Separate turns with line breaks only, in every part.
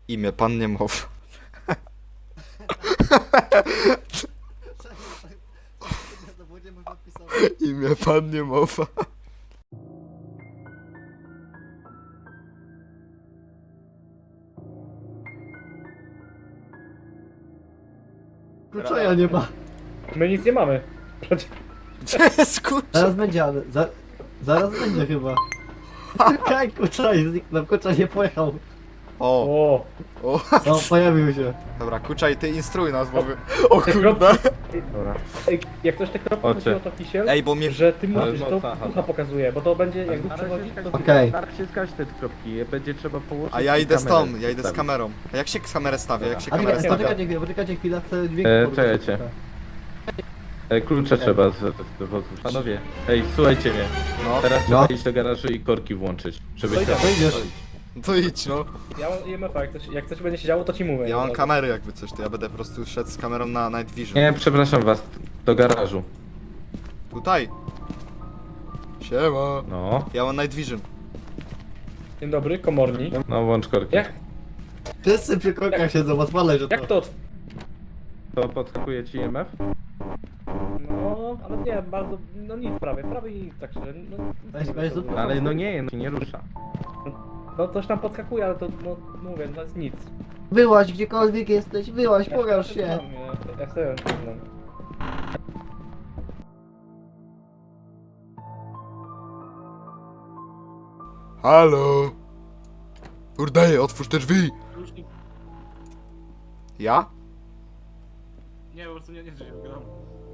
Imię pan nie mowa. Imię pan nie mowa.
Kluczoja nie ma.
My nic nie mamy. Przecież...
Gdzie jest kurczę?
Zaraz będzie, ale zaraz będzie chyba. Kaj, Kuczaj zniknął, Kuczaj nie pojechał.
O,
O,
o.
No, pojawił się.
Dobra, Kuczaj, ty instruuj nas, bo my... O kurde.
Dobra.
ej, jak ktoś te kropki
Oczy.
chodziło, to kisiel,
Ej, bo mnie...
że ty
Ale
mówisz, że to
mocna chata.
ducha pokazuje, bo to będzie, jak duch
Na razie
przechodzi, to...
wskaźnik-
Okej.
Tak się skać te kropki, będzie trzeba położyć.
A ja
i
idę z
kamerę
tą, ja idę z
wstawić.
kamerą. A jak się kamerę stawia? Jak się
A
kamerę
czekajcie,
stawia?
poczekajcie chwilę, chcę dźwięk.
Czekajcie. Klucze trzeba z wozu. Panowie, ej, słuchajcie mnie.
No,
Teraz
No.
trzeba iść do garażu i korki włączyć. Żeby
To
się...
idę.
To idziesz.
to idź no.
Ja mam IMF-a, jak coś będzie się działo, to ci mówię.
Ja mam
Od razu.
kamery jakby coś, to ja będę po prostu szedł z kamerą na Night Vision.
Nie, przepraszam was, do garażu.
Tutaj. Siema.
No,
Ja mam Night Vision.
Dzień dobry, komornik.
no włącz korki.
Jak,
Wszyscy przy korkach siedzą, odpalaj, że to.
jak to...
To podskakuje ci IMF?
No, ale nie, bardzo, no nic prawie nic, tak szczerze, no...
Weź zrób-
Ale no nie, no się nie rusza.
No coś tam podskakuje, ale to, no mówię, to jest nic.
Wyłaź gdziekolwiek jesteś, wyłaź, pokaż
Ja
się.
Ja sobie znam.
Halo. Kurde, otwórz te drzwi. Ja?
Nie, po prostu nie żyję w gram.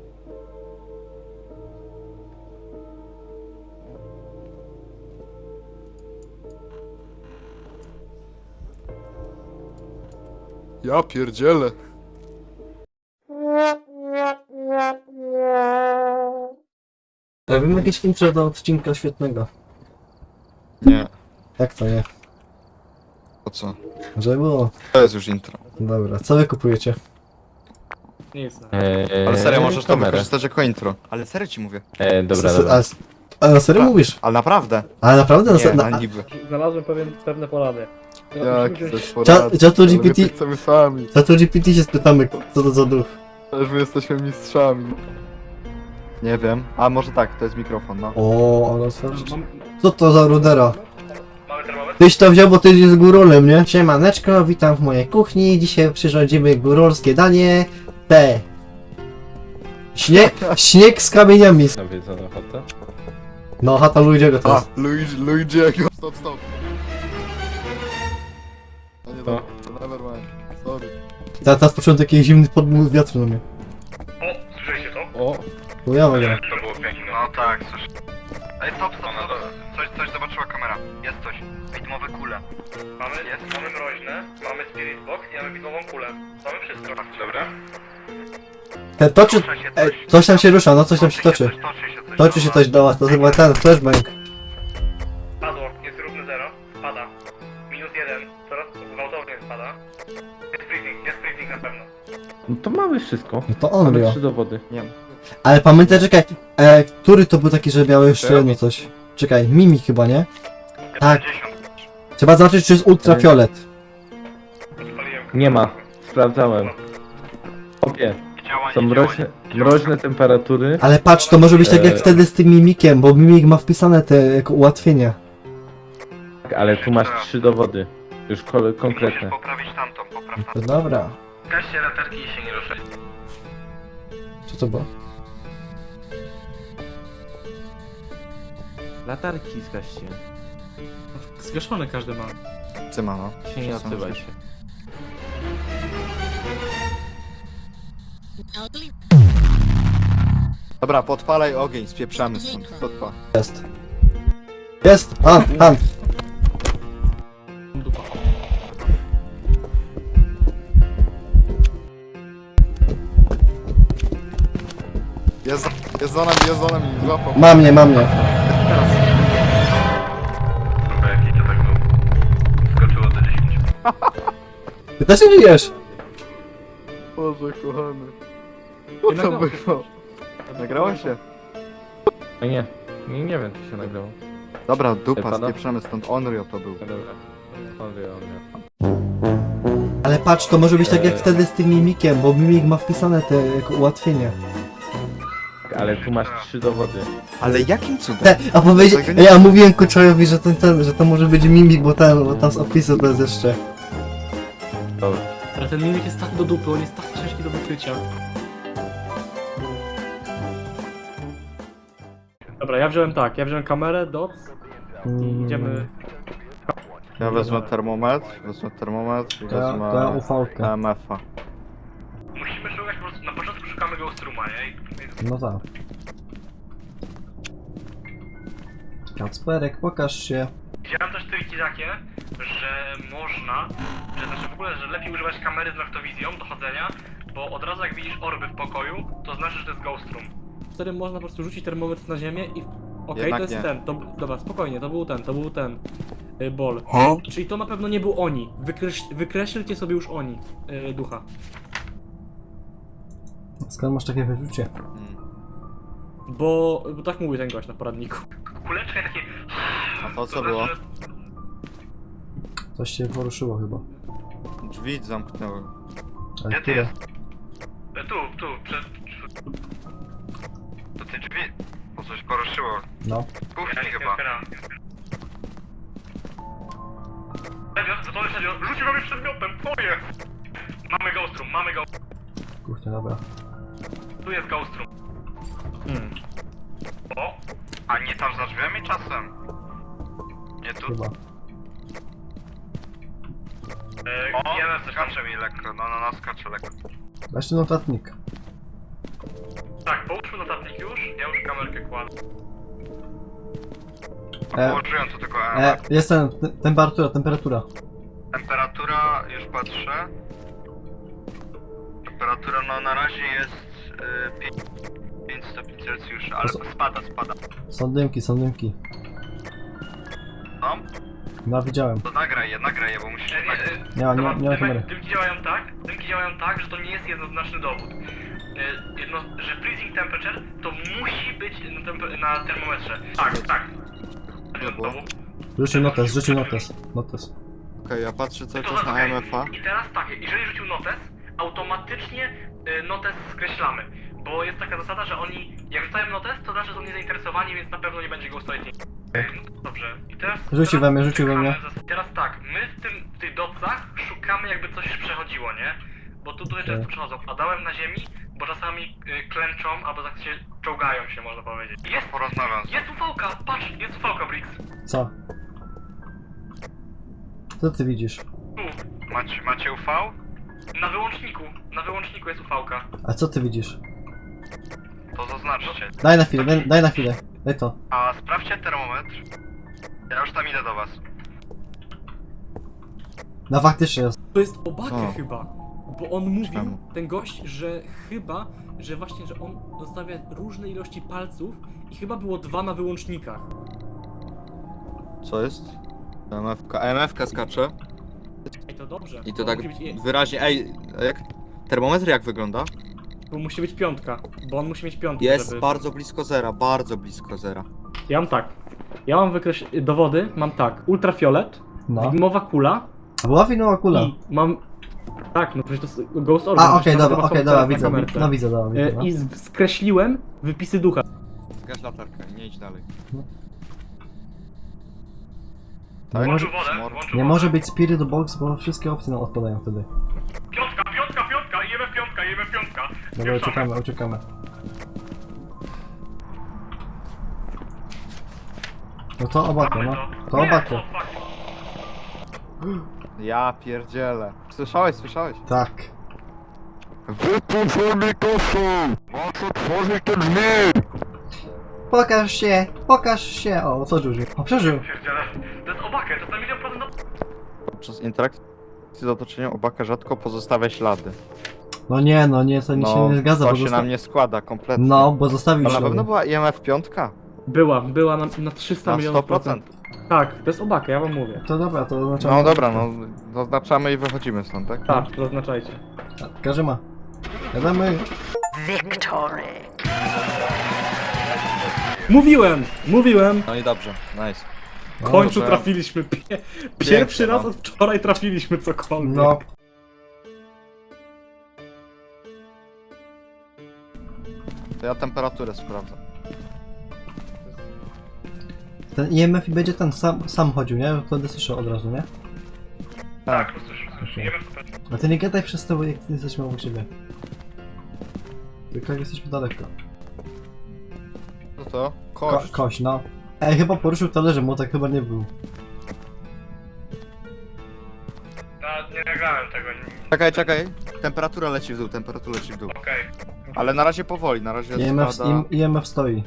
Ja pierdzielę.
Robimy jakieś intro do odcinka świetnego.
Nie.
Jak to nie?
Po co?
Żeby było.
To jest już intro.
Dobra, co wy kupujecie?
Nic, no.
Ale serio, możesz to
kamerę.
wykorzystać jako intro. Ale serio ci mówię.
Dobra,
S-
dobra.
A na serio mówisz?
Ale naprawdę.
Ale naprawdę?
Nie,
Na,
na niby.
Znalazłem pewne porady.
Jak
Musimy
coś
wziąć-
porady.
Czatu
Ale my
GPT
to chcemy sami.
Za to GPT się spytamy, co to za duch.
Też my jesteśmy mistrzami. Nie wiem. A może tak, to jest mikrofon, no.
O, ale otworzyć.
Mam...
Co to za rudera?
Mamy termometr?
Tyś to wziął, bo ty jest górolem, nie? Siemaneczko, witam w mojej kuchni. Dzisiaj przyrządzimy górolskie danie. Te. Śnieg z kamieniami.
Nawiedzono chatę?
No, chata Luigi'ego to
A,
jest.
Luigi'ego. Stop, stop. No nie
Co?
dobra, never mind. Sorry.
Teraz poczułem taki zimny podmuch wiatru na mnie.
O, słyszeliście to?
O,
To ja mogę.
To było piękne.
No tak, słyszę. Ej, stop, stop, stop. Coś zobaczyła kamera. Jest coś. Widmowe kule.
Mamy mroźne, mamy spirit box i mamy widmową kulę. Mamy wszystko. Dobra.
Te toczy... Ej, coś tam się rusza, no coś tam się toczy. Toczy się coś do was, to chyba ten flashbang.
Padło, jest równy 0. Pada. Minus 1. Coraz gwałtownie spada. Jest freezing na pewno.
no to mamy wszystko.
No to on
Mamy
ryjo.
3 dowody.
Nie wiem.
Ale pamiętaj, czekaj, który to był taki, że miał jeszcze jedno coś? Czekaj, Mimi chyba, nie? Tak. Trzeba zobaczyć, czy jest ultrafiolet.
Nie ma. Sprawdzałem. Opie. Są mroźne temperatury.
Ale patrz, to może być tak jak wtedy z tym Mimikiem, bo Mimik ma wpisane te jako ułatwienia.
Ale tu masz 3 dowody. Już konkretne.
poprawić tamtą, popraw
To dobra.
Gaście latarki i się nie ruszaj.
Co to było?
Latarki zgaście.
Zgaszone każdy ma.
Cyma, no.
Się nie odzywaj się.
Dobra, podpalaj ogień, spieprzamy stąd. Podpal.
Jest. Jest! Han!
Dupa.
Jest za nami, złapał.
Ma mnie.
Teraz.
Jaki to tak był? Skoczyło do 10.
Ty też nie żyjesz!
Boże, kochany.
Nie
Co to
nagrało się.
było? Nagrało się?
No nie wiem, czy się nagrało.
Dobra, dupa,
Pana?
spieprzamy stąd. Onryo to był.
Dobra. On wie.
patrz, to może być tak jak wtedy z tym mimikiem, bo mimik ma wpisane te jako ułatwienie.
Ale tu masz 3 dowody.
Ale jakim cudem?
A powiedzieć,
Tego nie
ja mówiłem Kuczajowi, że to może być mimik, bo tam z opisu to jest jeszcze.
Dobra.
Ale ten mimik jest tak do dupy, on jest tak ciężki do wykrycia. Dobra, ja wziąłem kamerę, doc i idziemy...
Ja wezmę termometr i wezmę
UV-kę.
EMF-a.
Musimy szukać po prostu, na początku szukamy Ghost Rooma, nie?
No tak. Kacperek, pokaż się.
Widziałem też triki takie, że można, że znaczy w ogóle, że lepiej używać kamery z noktowizją do chodzenia, bo od razu jak widzisz orby w pokoju, to znaczy, że to jest Ghost Room.
Wtedy można po prostu rzucić termometr na ziemię i... Okej,
Jednak
to jest
nie.
ten, dobra, spokojnie, to był ten bol. Czyli to na pewno nie był oni. Wykreślcie sobie już oni, ducha.
Skąd masz takie wyczucie?
Bo tak mówił ten gość na poradniku.
Kuleczka i takie...
A to co było?
Coś się poruszyło chyba.
Drzwi zamknęły.
Ale
Gdzie ty
które?
jest?
Tu, przed...
To te drzwi. Bo coś poruszyło.
No.
Kuchni chyba.
Serio, rzucił we mnie przedmiotem, co jest? Mamy Ghost Room, mamy Ghost
Kurczę, dobra.
Tu jest Ghost Room. O,
A nie tam za drzwiami czasem? Nie tu?
Chyba.
O,
IMF coś tam.
skacze mi lekko, no, skacze lekko.
Weź ten notatnik.
Tak, połóżmy notatnik już, ja już kamerkę kładę.
A położyłem to tylko
Jest temperatura.
Temperatura, już patrzę. Temperatura, no na razie jest 5 stopni Celsjusza, ale spada.
Są dymki.
No,
No widziałem.
to nagraj je, bo musisz nagrać.
Nie ma kamery.
Dymki działają tak, że to nie jest jednoznaczny dowód. Że freezing temperature to musi być na termometrze. Tak.
było?
Rzucił notes.
Okej, ja patrzę cały
To
czas na
okej.
EMF-a.
I teraz tak, jeżeli rzucił notes, automatycznie notes skreślamy. Bo jest taka zasada, że oni, jak rzucają notes, to znaczy, że są niezainteresowani, więc na pewno nie będzie ghostlighting. Dobrze. I teraz...
Rzucił we mnie.
Teraz tak, my w tych docach szukamy, jakby coś przechodziło, nie? Bo tutaj często przechodzą. Padałem na ziemi, bo czasami klęczą, albo tak się czołgają się, można powiedzieć.
Porozmawiam.
Jest UV-ka, patrz, jest UV-ka, Brix.
Co? Co ty widzisz?
Tu,
Macie UV?
na wyłączniku jest UV-ka.
A co ty widzisz?
To zaznaczcie.
Daj na chwilę. Daj to.
A sprawdźcie termometr. Ja już tam idę do was.
No faktycznie jest.
To jest Obake
O.
chyba. Bo on mówił,
Czemu?
ten gość, że chyba, że właśnie, że on zostawia różne ilości palców i chyba było 2 na wyłącznikach.
Co jest? EMF-ka. EMF-ka skacze.
Ej, to dobrze.
I to
bo
tak
musi być,
wyraźnie. Ej, jak? Termometr jak wygląda?
bo musi być 5, bo on musi mieć 5.
Jest
żeby...
bardzo blisko zera, bardzo blisko zera.
Ja mam tak. Ja mam dowody, mam tak. Ultrafiolet,
No.
widmowa kula
A była winowa kula.
i mam... Tak, no przecież to jest Ghost Orb.
A,
przecież
okej,
to ma
dobra,
teraz na
widzę.
kamerce.
No widzę, dobra. No.
I skreśliłem wypisy ducha.
Zgaś latarkę i nie idź dalej.
Nie może,
Włączył
nie
wodę.
może być Spirit Box, bo wszystkie opcje nam odpadają wtedy.
Piątka, IMF 5.
Dobra, uciekamy. No to Obake, no. To Obake.
Ja pierdzielę. Słyszałeś?
Tak.
Wypuszczaj mikrofon! Masz otworzyć te drzwi!
Pokaż się! O, co żył? O, przeżył!
Pierdziele. To jest Obake, to jest na 1.000.000%.
Podczas interakcji z otoczeniem Obaka rzadko pozostawia ślady.
No nie, to mi się nie zgadza,
to
bo
się nam nie składa kompletnie.
No, bo zostawił
To na
ślady.
pewno była IMF 5?
Była na 300
Na
milionów
100%.
Tak, to jest Obake, ja wam mówię.
To dobra, to oznaczamy.
No dobra, no zaznaczamy i wychodzimy stąd, tak?
Tak, to oznaczajcie.
Każdy ma. Jadamy.
Mówiłem!
No i dobrze, nice.
W końcu
dobrze.
trafiliśmy. Pierwszy
Pięknie,
raz
no.
od wczoraj trafiliśmy cokolwiek.
No.
To ja temperaturę sprawdzę.
Ten IMF i będzie ten sam chodził, nie? Wtedy słyszę od razu, nie?
Tak, słyszę. Nie wiem, co
A ty nie gadaj przez to, jak jesteśmy obok siebie. Tylko jak jesteśmy daleko.
Co to? Kość.
Kość, no. Ej, chyba poruszył talerzem, bo tak chyba nie był.
Nie nagrałem tego,
Czekaj. Temperatura leci w dół,
okej.
Ale na razie powoli, na razie spada.
IMF stoi.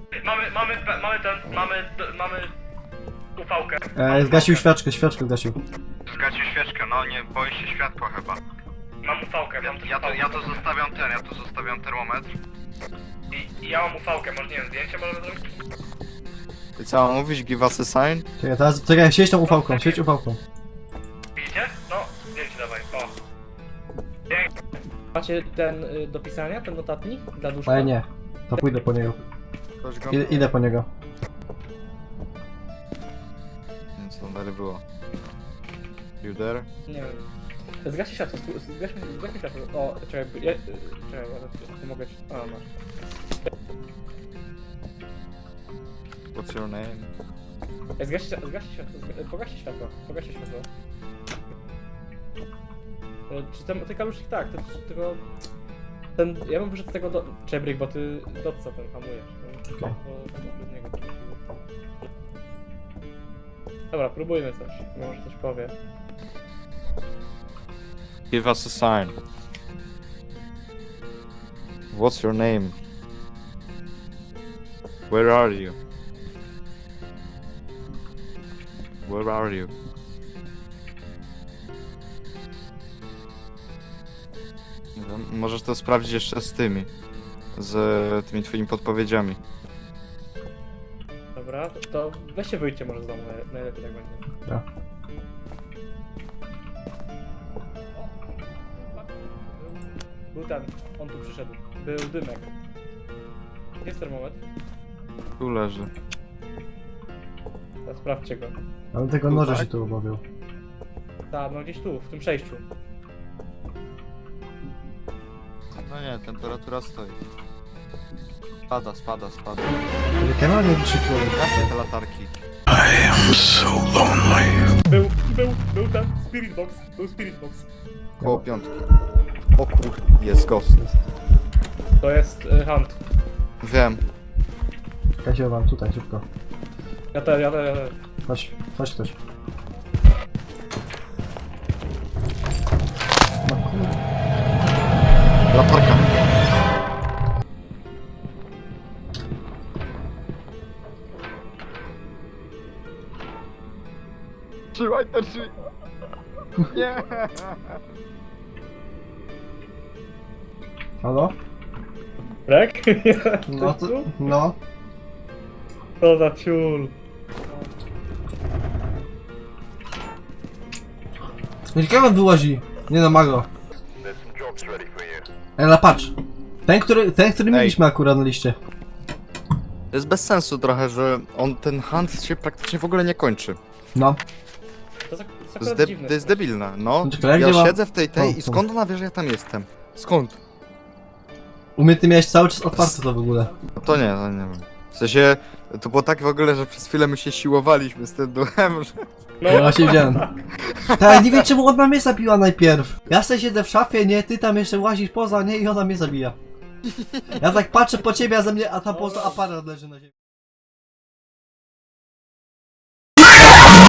Mamy ufałkę.
Zgasił świeczkę zgasił.
Zgasił świeczkę, no nie boi się światła chyba.
Mam ufałkę,
Ja to zostawiam termometr.
I ja mam ufałkę, może nie wiem, zdjęcie możemy zrobić?
I co mam mówić? Give us a sign?
Czekaj, siedź tą ufałką,
Widzicie? No, zdjęcie dawaj, o.
Macie ten do pisania, ten notatnik dla duszka?
Ale nie. To pójdę po niego.
Ktoś go...
Idę po niego.
Co tam dalej było? You there?
Nie wiem. Zgaście światło, zgaśmy światło. O, czekaj, ja to mogę ci... A, masz.
What's your name?
Zgaście światło, pogaście światło. Czy te kaluszki tak, tylko... Ten, ja bym wyszedł z tego do... Czebryk, bo ty dotca ten hamujesz.
Okej.
Bo tak bez niego. Dobra, próbujmy coś, może coś powie.
Give us a sign. What's your name? Where are you? Where are you? Nie wiem, możesz to sprawdzić jeszcze z tymi. Z tymi twoimi podpowiedziami.
Dobra, to weźcie wyjdźcie może z domu, najlepiej tak będzie.
Tak.
Był ten, on tu przyszedł. Był dymek. Jest termometr?
Tu leży.
Teraz sprawdźcie go.
Ale tego noża się tu obawiał.
Tak, no gdzieś tu, w tym przejściu.
No nie, temperatura stoi. Spada.
Kamera nie wykrzykiwał.
Jakie te latarki?
Był ten, spirit box. Był spirit box.
Koło piątki. O kur... jest ghost.
To jest hunt.
Wiem.
Czekajcie wam tutaj, szybko.
Ja też.
Chodź ktoś. No kurde.
Latarka. Trzymaj te drzwi. Nie.
Halo?
Rek?
No to... No.
To za ciul.
Kamen wyłazi. Nie no, mago. Ela, patrz. Ten, który mieliśmy akurat na liście.
To jest bez sensu trochę, że ten hunt się praktycznie w ogóle nie kończy.
No.
To jest
To jest,
akurat dziwne.
to jest debilne, no.
Czekaj,
Ja
gdzie mam-
siedzę w tej
O,
i
tu.
skąd ona wie, że ja tam jestem? Skąd?
U mnie ty miałeś cały czas otwarte to w ogóle.
No to nie wiem. W sensie, to było tak w ogóle, że przez chwilę my się siłowaliśmy z tym duchem, że...
Ja właśnie widziałem. Tak, nie wiem czemu ona mnie zabiła najpierw. Ja sobie siedzę w szafie, nie, ty tam jeszcze łazisz poza, nie, i ona mnie zabija. Ja tak patrzę po ciebie, a ze mnie, a tam poza aparat leży na ziemi.